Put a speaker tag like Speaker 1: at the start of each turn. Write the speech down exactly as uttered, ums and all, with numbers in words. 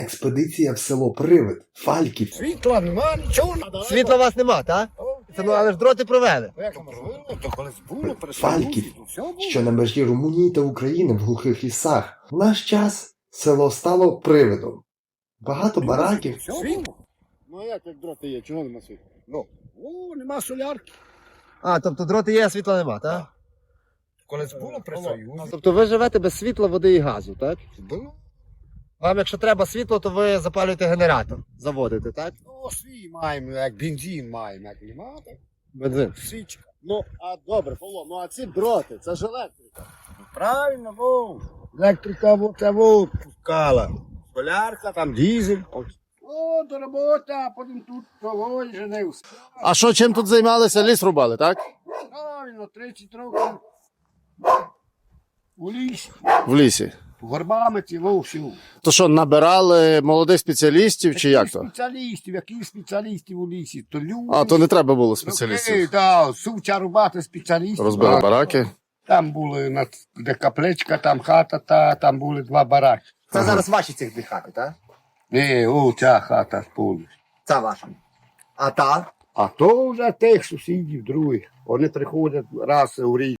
Speaker 1: Експедиція в село Привид, Фальків.
Speaker 2: Світла нема, нічого.
Speaker 3: Світла у вас нема, так? Це, ну, але ж дроти провели.
Speaker 2: Як можливо, то колись було,
Speaker 1: Фальків,
Speaker 2: все було.
Speaker 1: що на межі Румунії та України в глухих лісах. В наш час село стало привидом. Багато бараків.
Speaker 2: Все було. Ну а як, як дроти є, чого нема світла? Ну, о, нема солярки.
Speaker 3: А, тобто дроти є, а світла нема, так?
Speaker 2: Колись було при Союзі.
Speaker 3: Тобто ви живете без світла, води і газу, так?
Speaker 2: Було.
Speaker 3: Вам, якщо треба світло, то ви запалюєте генератор, заводите, так?
Speaker 2: Ну, свій маємо, як бензин маємо, як нема, так?
Speaker 3: Бензин.
Speaker 2: Січка. Ну, а добре, Павло, ну а ці дроти, це ж електрика. Правильно, вов. Електрика вот це вот пускала. Солярка, там дизель. О, до роботи, а потім тут того і женився.
Speaker 4: А що, чим тут займалися? Ліс рубали, так?
Speaker 2: Правильно, тридцять років у лісі,
Speaker 4: В лісі.
Speaker 2: горбами ціло всю.
Speaker 4: То що, набирали молодих спеціалістів чи як то?
Speaker 2: Спеціалістів, які спеціалістів у лісі? То люди.
Speaker 4: А, то не треба було
Speaker 2: Окей,
Speaker 4: спеціалістів.
Speaker 2: так, сувча рубати спеціалістів.
Speaker 4: Розбили
Speaker 2: А,
Speaker 4: бараки.
Speaker 2: Там були, на- де капличка, там хата, та, там були два бараки.
Speaker 3: Це зараз ваші ці дві хати, так?
Speaker 2: Ні, о, ця хата повністю.
Speaker 3: Це ваша. А та?
Speaker 2: А то вже тих сусідів других. Вони приходять раз у рік.